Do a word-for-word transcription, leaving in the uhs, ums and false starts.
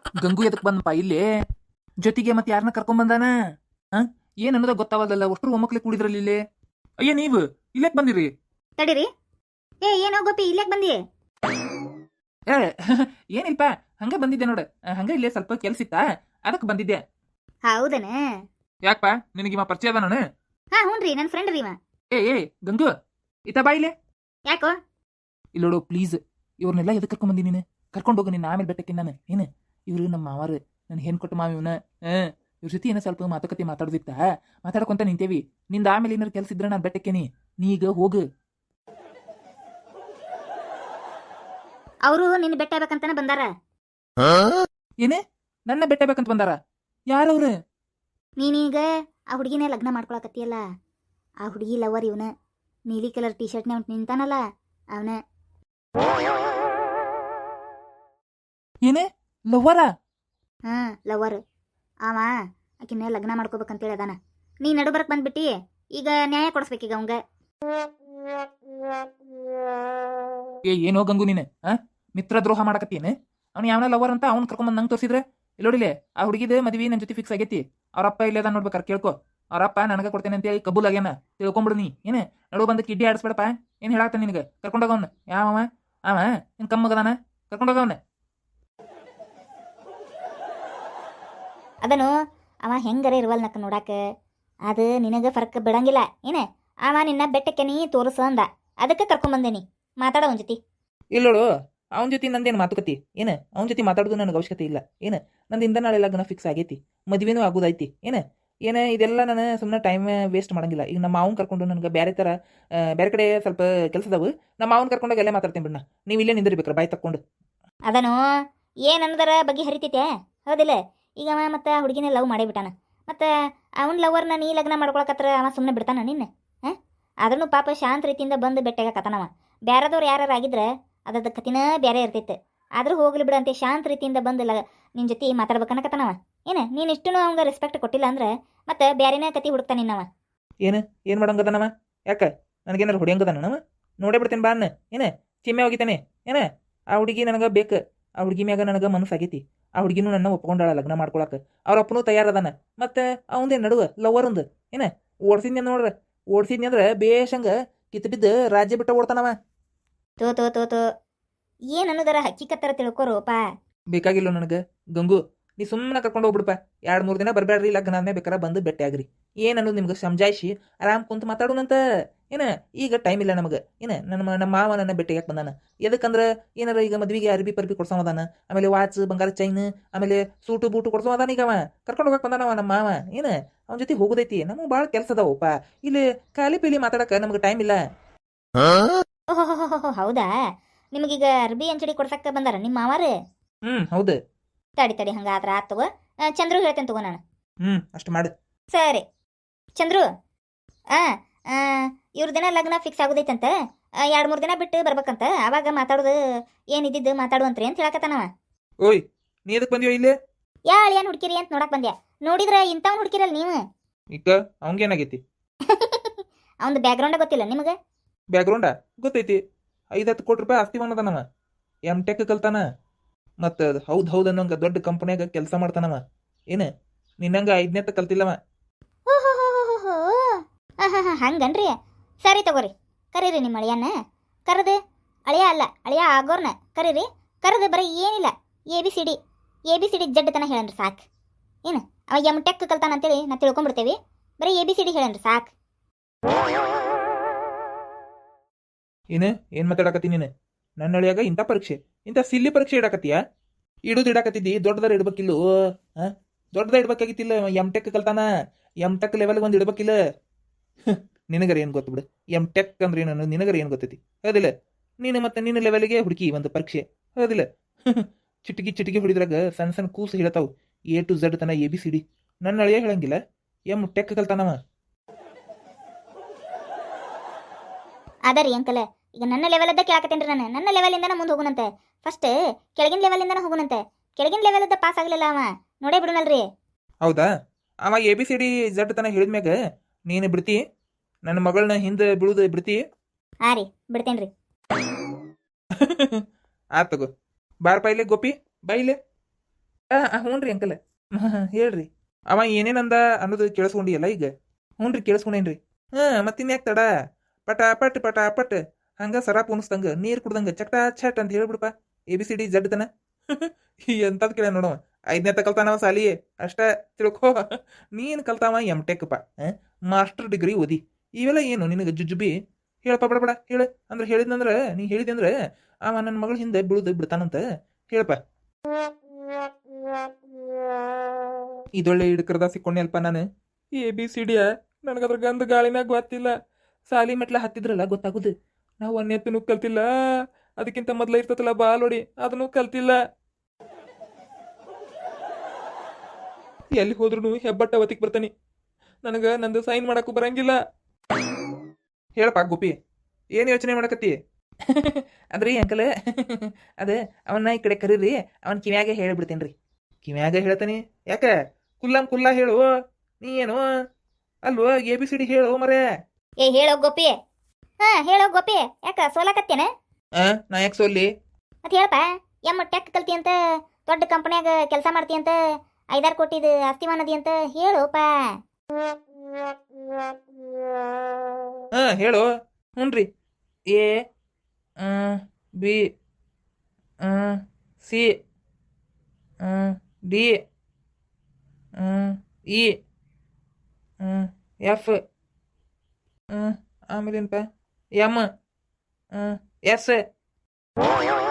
ಗಂಗು ಎದಕ್ ಬಂದಪ್ಪ ಇಲ್ಲಿ ಜೊತೆಗೆ ಮತ್ತೆ ಯಾರನ್ನ ಕರ್ಕೊಂಡ್ ಬಂದಾನ? ಹ ಏನ್ ಅನ್ನೋದ ಗೊತ್ತಾವಲ್ಲ. ಒಷ್ಟರು ಒಮ್ಮಕ್ಲೆ ಕೂಡಿದ್ರಲ್ಲಿ ಇಲ್ಲಿ. ಅಯ್ಯ ನೀವು ಇಲ್ಲೇಕ್ ಬಂದಿರಿ? ತಡೀರಿ. ಏ ಏನೋ ಗೋಪಿ ಇಲ್ಲೇಕ್ ಬಂದಿ? ಏ ಏನಿಲ್ಪ, ಹಂಗ ಬಂದಿದ್ದೆ ನೋಡ. ಹಂಗ ಇಲ್ಲೇ ಸ್ವಲ್ಪ ಕೆಲ್ಸ ಇತ್ತ, ಅದಕ್ಕೆ ಬಂದಿದ್ದೆ. ಹೌದನ? ಯಾಕಪ್ಪ ನಿನಗಿವ ಪರಿಚಯ ಅದ ನಾನು? ಹಾ ಹ್ಞೂನ್ರಿ, ನನ್ನ ಫ್ರೆಂಡ್ ರೀ ಇವ. ಏ ಏ ಗಂಗು ಇತ್ತ ಬಾ ಇಲ್ಲೇ. ಯಾಕೋ? ಇಲ್ಲೋಡು ಪ್ಲೀಸ್, ಇವ್ರನ್ನೆಲ್ಲ ಎದಕ್ಕೆ ಕರ್ಕೊಂಡ್ ಬಂದಿ ನೀನು? ಕರ್ಕೊಂಡು ಹೋಗು, ನಿನ್ನ ಆಮೇಲೆ ಬೆಟ್ಟಕ್ಕೆ ನಾನು. ಏನು ಇವ್ರು ನಮ್ಮ ಮಾವಾರು, ನನ್ ಹೆಣ್ ಕೊಟ್ಟು ಮಾವ ಇವನ. ಇವ್ರ ಜೊತೆ ಏನೋ ಸ್ವಲ್ಪ ಮಾತುಕತೆ ಮಾತಾಡೋದಿತ್ತ, ಮಾತಾಡ್ಕೊಂತ ನಿಂತೇವಿ. ನಿಂದ ಆಮೇಲೆ ಏನಾರು ಕೆಲ್ಸ ಇದ್ರೆ ನಾನು ಬೆಟ್ಟಕ್ಕೇನಿ, ನೀ ಈಗ ಹೋಗು. ಅವರು ನಿನ್ನ ಬೆಟ್ಟ ಆಗ್ಬೇಕಂತಾನೆ ಬಂದಾರ. ಏನೇ ನನ್ನ ಬೆಟ್ಟ ಬೇಕಂತ ಬಂದಾರ? ಯಾರವ್ರು? ನೀನೀಗ ಆ ಹುಡುಗಿನೇ ಲಗ್ನ ಮಾಡ್ಕೊಳಕತ್ತಿಯಲ್ಲ, ಆ ಹುಡುಗಿ ಲವರ್ ಇವನ. ನೀಲಿ ಕಲರ್ ಟಿ ಶರ್ಟ್ನೇ ಅವ್ನು ನಿಂತಾನಲ್ಲ ಅವನ. ಏನೇ ಲವ್ವರ? ಹಾ ಲವರ್. ಅವ ಆಕಿನ ಲಗ್ನ ಮಾಡ್ಕೋಬೇಕಂತೇಳಿ ಅದಾನ. ನೀ ನಡು ಬರಕ್ ಬಂದ್ಬಿಟ್ಟಿ, ಈಗ ನ್ಯಾಯ ಕೊಡಿಸ್ಬೇಕೀಗ ಅವಂಗ. ಏ ಏನೋ ಗಂಗು ನೀನು ಆ ಮಿತ್ರ ದ್ರೋಹ ಮಾಡಕತ್ತೇನೆ. ಅವ್ನು ಯಾವನ ಲವರ್ ಅಂತ ಅವ್ನು ಕರ್ಕೊಂಬಂದು ನಂಗೆ ತೋರಿಸಿದ್ರೆ ಇಲ್ಲೋಡಿಲೆ ಆ ಹುಡುಗಿದ ಮದ್ವಿ ನನ್ನ ಜೊತೆ ಫಿಕ್ಸ್ ಆಗೈತಿ. ಅವ್ರಪ್ಪ ಇಲ್ಲದ ನೋಡ್ಬೇಕಾರೆ ಕೇಳ್ಕೊ. ಅವ್ರಪ್ಪ ನನಗೆ ಕೊಡ್ತೇನೆ ಅಂತೇಳಿ ಕಬೂಲ್ ಆಗ್ಯಾನ, ತಿಳ್ಕೊಂಬಿಡು ನೀ. ಏನೇ ನಡು ಬಂದು ಕಿಡ್ಡಿ ಆಡಿಸ್ಬೇಡಪ್ಪ. ಏನು ಹೇಳಾಕ್ತಾನೆ ನಿನಗೆ? ಕರ್ಕೊಂಡೋಗವನ್ನ ಯಾವ ಅವ ನಿನ್ ಕಮ್ಮಗದಾನ, ಕರ್ಕೊಂಡೋಗವನ್ನ. ಅದನು ಅವ ಹೆಂಗರ ಇರುವಲ್ ನಕ್ಕ ನೋಡಾಕ, ಅದು ನಿನಗೆ ಫರಕ್ ಬಿಡಂಗಿಲ್ಲ. ಏನ ಅವ ನಿನ್ನ ಬೆಟ್ಟಕ್ಕೆ ನೀ ತೋರಿಸ ಅಂದ, ಅದಕ್ಕೆ ಕರ್ಕೊಂಬಂದೇನಿ. ಮಾತಾಡ ಅವನ ಜೊತೆ. ಇಲ್ಲೋಡು, ಅವನ ಜೊತೆ ನಂದೇನು ಮಾತುಕತಿ? ಏನು ಅವನ ಜೊತೆ ಮಾತಾಡೋದು ನನಗೆ ಅವಶ್ಯಕತೆ ಇಲ್ಲ. ಏನು ನಂದಿಂದ ನಾಳೆ ಲಗ್ನ ಫಿಕ್ಸ್ ಆಗೈತಿ, ಮದ್ವೆನೂ ಆಗೋದೈತಿ. ಏನು ಏನು ಇದೆಲ್ಲ ನಾನು ಸುಮ್ಮನೆ ಟೈಮ್ ವೇಸ್ಟ್ ಮಾಡಂಗಿಲ್ಲ. ಈಗ ನಮ್ಮ ಮಾವನ್ ಕರ್ಕೊಂಡು ನನಗೆ ಬೇರೆ ಥರ ಬೇರೆ ಕಡೆ ಸ್ವಲ್ಪ ಕೆಲಸದವು, ನಮ್ಮ ಮಾವನ್ ಕರ್ಕೊಂಡಾಗ ಎಲ್ಲ ಮಾತಾಡ್ತೀನಿ ಬಿಡ್ನ. ನೀವು ಇಲ್ಲೇ ನಿಂದಿರ್ಬೇಕ್ರ ಬಾಯ್ ತಕ್ಕೊಂಡು. ಅದನು ಏನು ಅನ್ನೋದರ ಬಗ್ಗೆ ಹರಿತೈತೆ, ಹೌದಿಲ್ಲ? ಈಗ ಅವ ಮತ್ತು ಆ ಹುಡುಗಿನ ಲವ್ ಮಾಡೇ ಬಿಟ್ಟಾನ. ಮತ್ತು ಅವನ ಲವರ್ನ ನೀ ಲಗ್ನ ಮಾಡ್ಕೊಳಕತ್ರ ಅವ ಸುಮ್ಮನೆ ಬಿಡ್ತಾನ ನಿನ್ನ? ಹಾಂ, ಆದ್ರೂ ಪಾಪ ಶಾಂತ ರೀತಿಯಿಂದ ಬಂದು ಬೆಟ್ಟಾಗಕತ್ತಾನವ. ಬೇರೆದವ್ರು ಯಾರು ಆಗಿದ್ರೆ ಅದ್ರದ್ದು ಕತಿನ ಬೇರೆ ಇರ್ತೈತೆ. ಆದರೂ ಹೋಗ್ಲಿ ಬಿಡಂತೆ ಶಾಂತ ರೀತಿಯಿಂದ ಬಂದು ಲ ನಿನ್ನ ಜೊತೆ ಮಾತಾಡ್ಬೇಕನ್ನಕತ್ತಾನವ. ಏನು ನೀನು ಇಷ್ಟು ಅವಂಗೆ ರೆಸ್ಪೆಕ್ಟ್ ಕೊಟ್ಟಿಲ್ಲ ಅಂದ್ರೆ ಮತ್ತೆ ಬೇರೆನೇ ಕತಿ ಹುಡುಕ್ತಾನೆ ನಿನ್ನವ. ಏನು ಏನು ಮಾಡಂಗದನವ? ಯಾಕೆ ನನಗೇನಾರು ಹೊಡಿಯಂಗದಾನ ನವ? ನೋಡೇ ಬಿಡ್ತೇನೆ ಬಾ ಅನ್ನ. ಏನು ಚಿಮ್ಮೆ ಹೋಗಿತಾನೆ? ಏನ ಆ ಹುಡುಗಿ ನನಗೆ ಬೇಕು, ಆ ಹುಡುಗಿ ಮ್ಯಾಗ ನನಗೆ ಮನಸ್ಸಾಗೈತಿ. ಆ ಹುಡುಗಿನೂ ನನ್ನ ಒಪ್ಕೊಂಡಾಳ ಲಗ್ನ ಮಾಡ್ಕೊಳಕ್ಕೆ. ಅವ್ರ ಅಪ್ಪನೂ ತಯಾರದಾನ. ಮತ್ತು ಅವಂದೇ ನಡುವ ಲವರ್ ಒಂದು ಏನ ಓಡಿಸಿದ್ನಿ ನೋಡ್ರ, ಓಡಿಸಿದ್ನಿ ಅಂದ್ರೆ ಬೇಷಂಗ ಕಿತ್ತು ಬಿದ್ದು ರಾಜ್ಯ ಬಿಟ್ಟ ಓಡ್ತಾನವ. ತೋ ತೋ ತೋ ತೋ ಏನು ಅನ್ನೋದರ ಹಕ್ಕಿಕತ್ತರ ತಿಳ್ಕೊರೋಪ. ಬೇಕಾಗಿಲ್ಲ ನನಗೆ ಗಂಗು, ನೀ ಸುಮ್ಮನೆ ಕರ್ಕೊಂಡು ಹೋಗ್ಬಿಡಪ್ಪ. ಎರಡು ಮೂರು ದಿನ ಬರಬೇಡ್ರಿ, ಲಗ್ನ ಆದ್ಮೇಲೆ ಬೇಕಾರೆ ಬಂದು ಭೇಟಿ ಆಗ್ರಿ. ಏನು ಅನ್ನೋದು ನಿಮ್ಗೆ ಸಮಜಾಯಿಸಿ ಆರಾಮ್ ಕುಂತು ಮಾತಾಡೋಣಂತ. ಏನ ಈಗ ಟೈಮ್ ಇಲ್ಲ ನಮಗೆ. ಏನು ನನ್ನ ನಮ್ಮ ಮಾವ ನನ್ನ ಭೇಟಿಯಾಗಿ ಬಂದಾನ. ಎದಕ್ಕಂದ್ರೆ ಏನಾರ ಈಗ ಮದ್ವಿಗೆ ಅರ್ಬಿ ಪರ್ಬಿ ಕೊಡ್ಸೋದಾನ, ಆಮೇಲೆ ವಾಚ್ ಬಂಗಾರ ಚೈನ್, ಆಮೇಲೆ ಸೂಟು ಬೂಟು ಕೊಡ್ಸೋದಾನ. ಈಗ ಅವ ಕರ್ಕೊಂಡು ಹೋಗಕ್ಕೆ ಬಂದಾನವ ನಮ್ಮ ಮಾವ. ಏನು ಅವನ ಜೊತೆ ಹೋಗೋದೈತಿ, ನಮಗೆ ಭಾಳ ಕೆಲಸ ಅದಾವಪ್ಪ. ಇಲ್ಲಿ ಖಾಲಿ ಪೀಲಿ ಮಾತಾಡಕ್ಕೆ ನಮ್ಗೆ ಟೈಮ್ ಇಲ್ಲ. ಓಹೋ ಹೌದಾ? ನಿಮಗೀಗ ಅರ್ಬಿ ಅಂಚಡಿ ಕೊಡ್ಸಕ್ಕೆ ಬಂದಾರ ನಿಮ್ಮ ಮಾವಾರು? ಹ್ಮ್ ಹೌದು. ತಡಿ ತಡಿ ಹಂಗಾದ್ರೆ ಆತ್ ತಗೋ. ಚಂದ್ರು ಹೇಳ್ತೇನೆ ತಗೋ ನಾನು. ಹ್ಮ್ ಅಷ್ಟು ಮಾಡು. ಸರಿ ಚಂದ್ರು, ಆ ಇವ್ರ ದಿನ ಲಗ್ನ ಫಿಕ್ಸ್ ಆಗೋದೈತಂತ, ಎರಡು ಮೂರು ದಿನ ಬಿಟ್ಟು ಬರ್ಬೇಕಂತ. ಅವಾಗ ಮಾತಾಡೋದು ಏನಿದ್ದು ಮಾತಾಡುವಂತ್ರಿ ಅಂತ ಹೇಳಕತ್ತಾನವ. ಓಯ್ ನೀ ಎದಕ್ಕೆ ಬಂದಿಯೋ ಇಲ್ಲಿ? ಯಾ ಏನು ಹುಡುಕಿರಿ ಅಂತ ನೋಡಕ್ ಬಂದ್ಯಾ? ನೋಡಿದ್ರೆ ಇಂಥವ್ನು ಹುಡುಕಿರಲ್ಲ ನೀವು. ಈಗ ಅವಂಗೇನಾಗೈತಿ? ಅವ್ನ ಬ್ಯಾಕ್ಗ್ರೌಂಡ್ ಗೊತ್ತಿಲ್ಲ ನಿಮಗೆ? ಬ್ಯಾಕ್ಗ್ರೌಂಡಾ ಗೊತ್ತೈತಿ. ಐದು ಹತ್ತು ಕೋಟಿ ರೂಪಾಯಿ ಆಸ್ತಿ ಅನ್ನೋದನವ. M Tech ಕಲ್ತಾನ. ಮತ್ತು ಹೌದು ಹೌದು ಅನ್ನೋಂಗ ದೊಡ್ಡ ಕಂಪನ್ಯಾಗ ಕೆಲಸ ಮಾಡ್ತಾನವ. ಏನು ನಿನ್ನಂಗ ಐದನೇತ್ತ ಕಲ್ತಿಲ್ಲವ. ಹಂಗನ್ರಿ? ಸರಿ ತಗೋರಿ, ಕರೀರಿ ನಿಮ್ಮ ಅಳಿಯನ್ನ. ಕರೆದು ಅಳಿಯ ಅಲ್ಲ ಅಳಿಯ ಆಗೋರ್ನ ಕರೀರಿ. ಕರೆದು ಬರೀ ಏನಿಲ್ಲ A B C D A B C D Z ತನ ಹೇಳನ್ರಿ ಸಾಕು. ಏನು ಅವ ಎಮ್ ಟೆಕ್ ಕಲ್ತಾನ ಅಂತೇಳಿ ನಾ ತಿಳ್ಕೊಂಬಿಡ್ತೇವಿ. ಬರೀ ಎ ಬಿ ಸಿ ಡಿ ಹೇಳನ್ರಿ ಸಾಕು. ಏನು ಏನು ಮಾತಾಡಕತ್ತಿ ನೀನು? ನನ್ನ ಅಳಿಯಾಗ ಇಂಥ ಪರೀಕ್ಷೆ, ಇಂಥ ಸಿಲ್ಲಿ ಪರೀಕ್ಷೆ ಇಡಾಕತ್ತೀಯ? ಇಡುದು ಇಡಾಕತ್ತಿದ್ದಿ ದೊಡ್ಡದಾರ ಇಡ್ಬೇಕಿಲ್ಲ. ಹಾಂ ದೊಡ್ಡದ ಇಡ್ಬೇಕಾಗಿತ್ತಿಲ್ಲ. ಎಮ್ ಟೆಕ್ ಕಲ್ತಾನ, ಎಮ್ ಟೆಕ್ ಲೆವೆಲ್ಗೆ ಒಂದು ಇಡ್ಬೇಕಿಲ್ಲ. ನಿನಗರ ಏನು ಗೊತ್ತು ಬಿಡು, ಎಮ್ ಟೆಕ್ ಅಂದ್ರೆ ಏನು ನಿನಗರ ಏನು ಗೊತ್ತೈತಿ? ಹೌದಿಲ್ಲ? ನೀನು ಮತ್ತೆ ನಿನ್ನ ಲೆವೆಲ್ಗೆ ಹುಡುಕಿ ಒಂದು ಪರೀಕ್ಷೆ, ಹೌದಿಲ್ಲ? ಚಿಟಿಕಿ ಚಿಟಿಕಿ ಹೊಡಿದ್ರಾಗ ಸಣ್ಣ ಸಣ್ಣ ಕೂಸು ಹೇಳ್ತಾವು ಎ ಟು ಝಡ್ ತನ ಎ ಬಿ ಸಿ ಡಿ. ನನ್ನ ಅಳಿಯ ಹೇಳಂಗಿಲ್ಲ, ಎಮ್ ಟೆಕ್ ಕಲ್ತಾನವ. ಅದರಿ ಅಂಕಲ್, ಈಗ ನನ್ನ ಲೆವೆಲದ್ದ ಕೇಳಾಕತ್ತೇನ್ರಿ ನಾನು. ನನ್ನ ಲೆವೆಲಿಂದನ ಮುಂದೆ ಹೋಗುನಂತೆ. ಫಸ್ಟ್ ಕೆಳಗಿನ ಲೆವೆಲಿಂದನ ಹೋಗುನಂತೆ. ಕೆಳಗಿನ ಲೆವೆಲದ್ದ ಪಾಸ್ ಆಗಲಿಲ್ಲ ಅವ, ನೋಡೇ ಬಿಡುನಲ್ರಿ. ಹೌದಾ? ಅವ A B C D Z ತನ ಹೇಳಿದ್ಮ್ಯಾಗ ನೀನು ಬಿಡ್ತಿ? ನನ್ನ ಮಗಳನ್ನ ಹಿಂದೆ ಬಿಡುದು ಬಿಡ್ತಿ? ಹಾಂ ರೀ ಬಿಡ್ತೇನ್ರಿ. ಆತ್ ತಗೋ. ಬಾರಪ್ಪ ಇಲ್ಲೇ ಗೋಪಿ, ಬಾ ಇಲ್ಲೇ. ಹ್ಞೂ ರೀ ಅಂಕಲ್ ಹೇಳ್ರಿ ಅವ ಏನೇನಂದ ಅನ್ನೋದು ಕೇಳಿಸ್ಕೊಂಡಿಯಲ್ಲ ಈಗ ಹ್ಞೂ ರೀ ಕೇಳಿಸ್ಕೊಂಡೇನ್ರಿ ಹಾಂ ಮತ್ತಿನ್ಯಾಕೆ ತಡ ಪಟ ಪಟ್ ಪಟ ಪಟ್ ಹಂಗ ಸರ ಪುಣಿಸ್ದಂಗ ನೀರು ಕುಡ್ದಂಗ ಚಟ ಚಟ್ ಅಂತ ಹೇಳ್ಬಿಡಪ್ಪ A B C D Z ತನ ಎಂತದ್ ಕೇಳ ನೋಡವ ಐದನೇ ಕಲ್ತಾನವ ಸಾಲಿ ಅಷ್ಟ ತಿಳ್ಕೊ ನೀನ್ ಕಲ್ತಾವ ಎಮ್ ಟೆಕ್ಪ ಮಾಸ್ಟರ್ ಡಿಗ್ರಿ ಓದಿ ಇವೆಲ್ಲ ಏನು ನಿನಗೆ ಜುಜುಬಿ ಹೇಳಪ್ಪ ಬಡ ಬಡ ಹೇಳ ಅಂದ್ರೆ ಹೇಳಿದ್ನಂದ್ರ ನೀ ಹೇಳಿದಂದ್ರೆ ಅವ ನನ್ನ ಮಗಳ ಹಿಂದೆ ಬೀಳುದು ಬಿಡ್ತಾನಂತ ಹೇಳಪ್ಪ ಇದೊಳ್ಳೆ ಹಿಡ್ಕರ್ದ ಸಿಕ್ಕೊಂಡೆಲ್ಪ ನಾನು ಎ ಬಿ ಸಿ ಡಿಯ ನನಗದ್ರ ಗಂಧ ಗಾಳಿನಾಗ ಗೊತ್ತಿಲ್ಲ ಸಾಲಿ ಮೆಟ್ಲ ಹತ್ತಿದ್ರಲ್ಲ ಗೊತ್ತಾಗುದು ನಾವು ಅನ್ಯತ್ತನೂ ಕಲ್ತಿಲ್ಲ ಅದಕ್ಕಿಂತ ಮೊದ್ಲ ಇರ್ತತಲ್ಲ ಬಾಲೋಡಿ ಅದನ್ನು ಕಲ್ತಿಲ್ಲ ಎಲ್ಲಿ ಹೋದ್ರು ಹೆಬ್ಬಟ್ಟ ಅವತಿಗೆ ಬರ್ತಾನೆ ನನಗೆ ನಂದು ಸೈನ್ ಮಾಡಕ್ಕೂ ಬರಂಗಿಲ್ಲ ಹೇಳಪ್ಪ ಗೋಪಿ ಏನು ಯೋಚನೆ ಮಾಡಕತ್ತಿ ಅದ್ರಿ ಅಂಕಲ್ ಅದ ಅವನ್ನ ಈ ಕಡೆ ಕರೀರಿ ಅವನ್ ಕಿವ್ಯಾಗ ಹೇಳಿಬಿಡ್ತೇನೆ ರೀ ಕಿವ್ಯಾಗ ಹೇಳ್ತಾನೆ ಯಾಕ ಕುಲ್ಲಂ ಕುಲ್ಲ ಹೇಳು ನೀ ಏನು ಅಲ್ವೋ ಎ ಬಿ ಸಿ ಡಿ ಹೇಳು ಮರೇ ಏ ಹೇಳೋ ಗೋಪಿ ಹಾ ಹೇಳೋ ಗೋಪಿ ಯಾಕ ಸೋಲಾಕತ್ತೇನ ಆ ನಾ ಯಾಕೆ ಸೋಲ್ಲಿ ಮತ್ತೆ ಹೇಳಪ್ಪ ಎಮ್ಮ ಟೆಕ್ ಕಲ್ತಿ ಅಂತ ದೊಡ್ಡ ಕಂಪನ್ಯಾಗ ಕೆಲಸ ಮಾಡ್ತಿ ಅಂತ ಐದಾರು ಕೋಟಿದು ಆಸ್ತಿ ಮಾನದಿ ಅಂತ ಹೇಳೋಪ ಹಾ ಹೇಳು ಹ್ಞೂ ರೀ A B C D E F ಆಮೇಲೇನಪ್ಪ ಎಮ್ ಎಸ್